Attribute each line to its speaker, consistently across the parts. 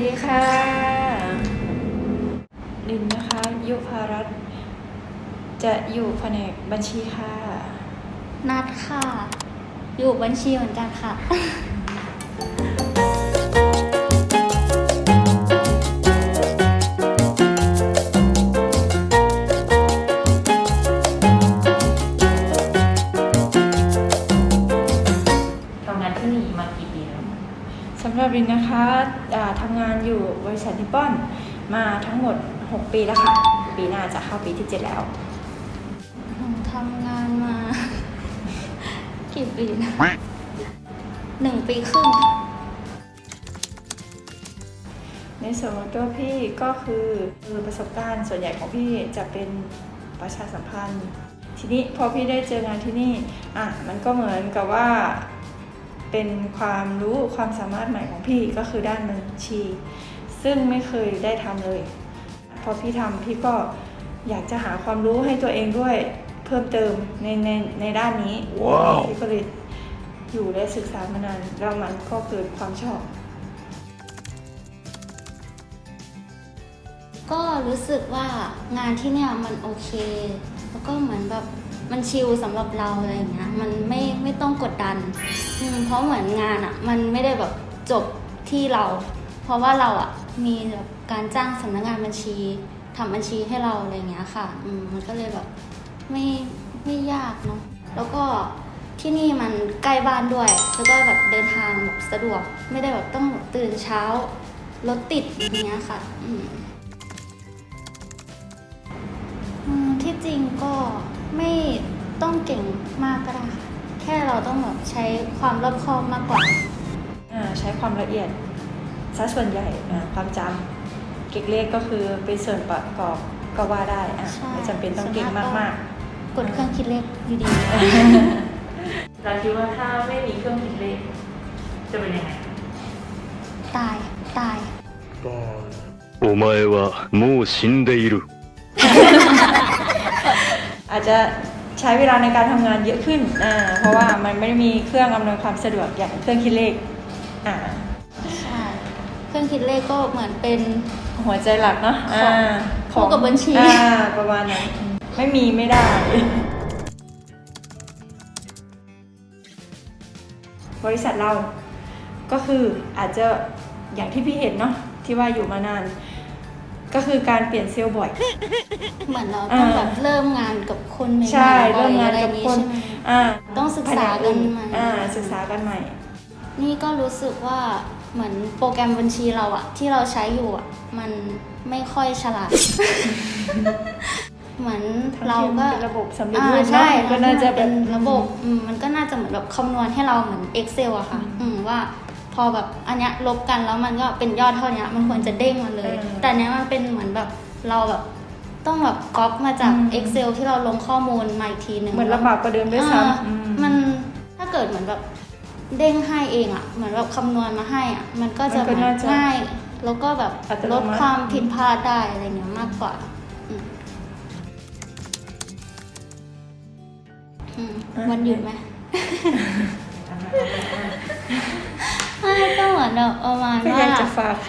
Speaker 1: ดีค่ะลินนะคะยุพารัตน์จะอยู่แผนกบัญชีค่ะ
Speaker 2: นัดค่ะอยู่บัญชีเหมือนกันค่ะ
Speaker 3: ทำงานที่นี่มากี่ปีแล้ว
Speaker 1: สำหรับลินนะคะทำงานอยู่บริษัทนิปปอนมาทั้งหมด6 ปีแล้วค่ะปีหน้าจะเข้าปีที่7แล้ว
Speaker 2: ทำงานมากี่ปีนะ1 ปีครึ่ง
Speaker 1: ในส่วนของตัวพี่ก็คือประสบการณ์ส่วนใหญ่ของพี่จะเป็นประชาสัมพันธ์ทีนี้พอพี่ได้เจองานที่นี่มันก็เหมือนกับว่าเป็นความรู้ความสามารถใหม่ของพี่ก็คือด้านบัญชี ซึ่งไม่เคยได้ทำเลยพอพี่ทำพี่ก็อยากจะหาความรู้ให้ตัวเองด้วยเพิ่มเติมในด้านนี้ wow. พี่ก็เลยอยู่และศึกษามานานแล้วมันก็เกิดความชอบ
Speaker 2: ก็รู้สึกว่างานที่เนี่ยมันโอเคแล้วก็เหมือนแบบมันชิลสำหรับเราอะไรอย่างเงี้ยมันไม่ต้องกดดันเพราะเหมือนงานมันไม่ได้แบบจบที่เราเพราะว่าเรามีแบบการจ้างสำนักงานบัญชีทำบัญชีให้เราอะไรอย่างเงี้ยค่ะมันก็เลยแบบไม่ยากเนาะแล้วก็ที่นี่มันใกล้บ้านด้วยแล้วก็แบบเดินทางแบบสะดวกไม่ได้แบบต้องตื่นเช้ารถติดอย่างเงี้ยค่ะที่จริงก็ไม่ต้องเก่งมากก็ได้ค่ะแค่เราต้องแบบใช้ความรอบคอบมากกว่า
Speaker 1: ใช้ความละเอียดซะส่วนใหญ่ความจำเก่งเลขก็คือเป็นส่วนประกอบก็ว่าได้ไม่จำเป็นต้องเก่งมาก
Speaker 2: ๆกดเครื่องคิดเลขดี
Speaker 3: ๆเราคิดว่าถ้าไม่มีเครื่องคิดเลขจะเป็นยังไง
Speaker 2: ตาย
Speaker 4: お前はもう死んでいる
Speaker 1: อาจจะใช้เวลาในการทำงานเยอะขึ้นเพราะว่ามันไม่ได้มีเครื่องอำนวยความสะดวกอย่างเครื่องคิดเลข
Speaker 2: ใช่เครื่องคิดเลขก็เหมือนเป็น
Speaker 1: หัวใจหลักเนาะ
Speaker 2: คู่กับบัญชี
Speaker 1: ประมาณนั้นไม่มีไม่ได้บริษัทเราก็คืออาจจะอย่างที่พี่เห็นเนาะที่ว่าอยู่มานานก็คือการเปลี่ยนเซลล์บ่อย
Speaker 2: เหมือนเราต้องแบบเริ่มงานกับคนใหม่
Speaker 1: ใช่เริ่มงานกับคน
Speaker 2: ต้องศึกษากันใหม่
Speaker 1: ศึกษากันใหม่
Speaker 2: นี่ก็รู้สึกว่าเหมือนโปรแกรมบัญชีเราที่เราใช้อยู่มันไม่ค่อยฉลาดเหมือนเราก็
Speaker 1: ระบบสำเร็จรูป
Speaker 2: ใช่
Speaker 1: ก็น่าจะ
Speaker 2: เป็นระบบมันก็น่าจะเหมือนแบบคำนวณให้เราเหมือน Excel อะค่ะว่าพอแบบอันเนี้ยลบกันแล้วมันก็เป็นยอดเท่านี้มันควรจะเด้งมาเลยแต่เนี้ยมันเป็นเหมือนแบบเราแบบต้องแบบก๊อปมาจาก Excel ที่เราลงข้อมูลมาอีกทีนึง
Speaker 1: เหมือนลำบากกว่าเดิมด้วยซ้
Speaker 2: ำมันถ้าเกิดเหมือนแบบเด้งให้เองเหมือนแบบคำนวณมาให้มันก็จะง่ายแล้วก็แบบลดความผิดพลาดได้อะไรเงี้ยมากกว่าวันหยุดไหมก็เหมือนแบบประมาณว่า
Speaker 1: จะฝาก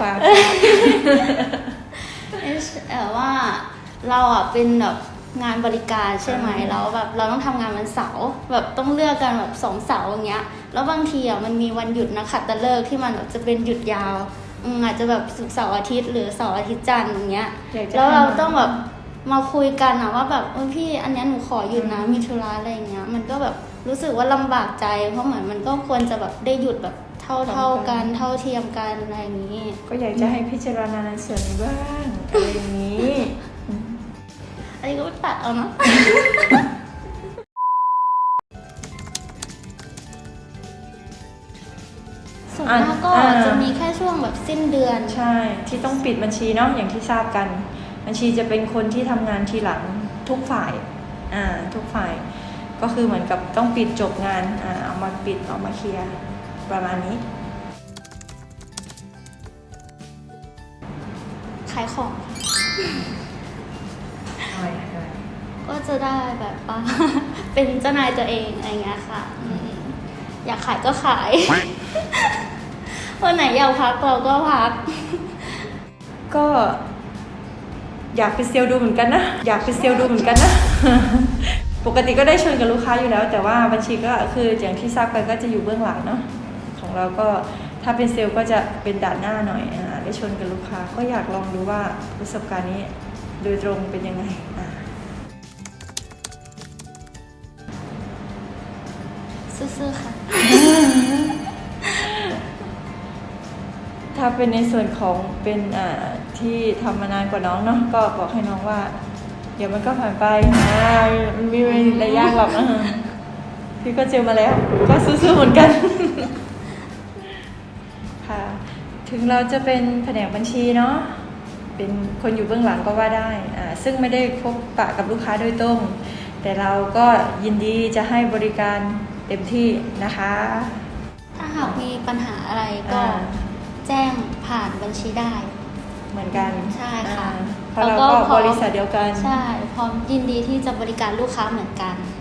Speaker 2: ว่าเราเป็นแบบงานบริการใช่ไหมแล้วแบบเราต้องทำงานวันเสาร์แบบต้องเลือกกันแบบ2 เสาร์อย่างเงี้ยแล้วบางทีมันมีวันหยุดนะขัตฤกษ์ที่มันแบบจะเป็นหยุดยาวอาจจะแบบศุกร์เสาร์อาทิตย์หรือเสาร์อาทิตย์จันทร์อย่างเงี้ยแล้วเราต้องแบบมาคุยกันว่าแบบพี่อันนี้หนูขอหยุดนะมีธุระอะไรอย่างเงี้ยมันก็แบบรู้สึกว่าลำบากใจเพราะเหมือนมันก็ควรจะแบบได้หยุดแบบเท่ากันเท่าเทียมกันอะไรอย่างนี้
Speaker 1: ก็อยากจะให้พิจารณาในส่วนนี้บ้างอะไรอย่างนี้
Speaker 2: อันนี้ก็ตัดเอาเนาะส่วนมากก็จะมีแค่ช่วงแบบสิ้นเดือน
Speaker 1: ใช่ที่ต้องปิดบัญชีเนาะอย่างที่ทราบกันบัญชีจะเป็นคนที่ทำงานทีหลังทุกฝ่ายทุกฝ่ายก็คือเหมือนกับต้องปิดจบงานเอามาปิดเอามาเคลียร์ประมาณนี้
Speaker 2: ขายของก็จะได้แบบว่าเป็นเจ้านายตัวเองอะไรเงี้ยค่ะอยากขายก็ขายวันไหนอยากพักเราก็พัก
Speaker 1: ก็อยากเป็นเซลล์ดูเหมือนกันนะ อยากเป็นเซลล์ดูเหมือนกันนะ ปกติก็ได้ชนกับลูกค้าอยู่แล้ว แต่ว่าบัญชีก็คืออย่างที่ทราบกันก็จะอยู่เบื้องหลังเนาะของเราก็ถ้าเป็นเซลล์ก็จะเป็นด่านหน้าหน่อยได้ชนกับลูกค้าก็อยากลองดูว่าประสบการณ์นี้โดยตรงเป็นยังไง
Speaker 2: ซื่อๆค่ะ
Speaker 1: ถ้าเป็นในส่วนของเป็นที่ทำมานานกว่าน้องเนาะก็บอกให้น้องว่า เดี๋ยวมันก็ผ่านไปมันมีระยะหรอกพี่ก็เจอมาแล้ว ก็สู้ๆเหมือนกัน ค่ะ ถึงเราจะเป็นแผนกบัญชีเนาะเป็นคนอยู่เบื้องหลังก็ว่าได้ซึ่งไม่ได้พบปะกับลูกค้าโดยตรงแต่เราก็ยินดีจะให้บริการเต็มที่นะคะ
Speaker 2: ถ้าหากมีปัญหาอะไรก็ แจ้งผ่านบัญชีได้
Speaker 1: เหมือนกัน
Speaker 2: ใช่ค่ะ
Speaker 1: เพราะเราก็บริษัทเดียวกัน
Speaker 2: ใช่ พร้อมยินดีที่จะบริการลูกค้าเหมือนกัน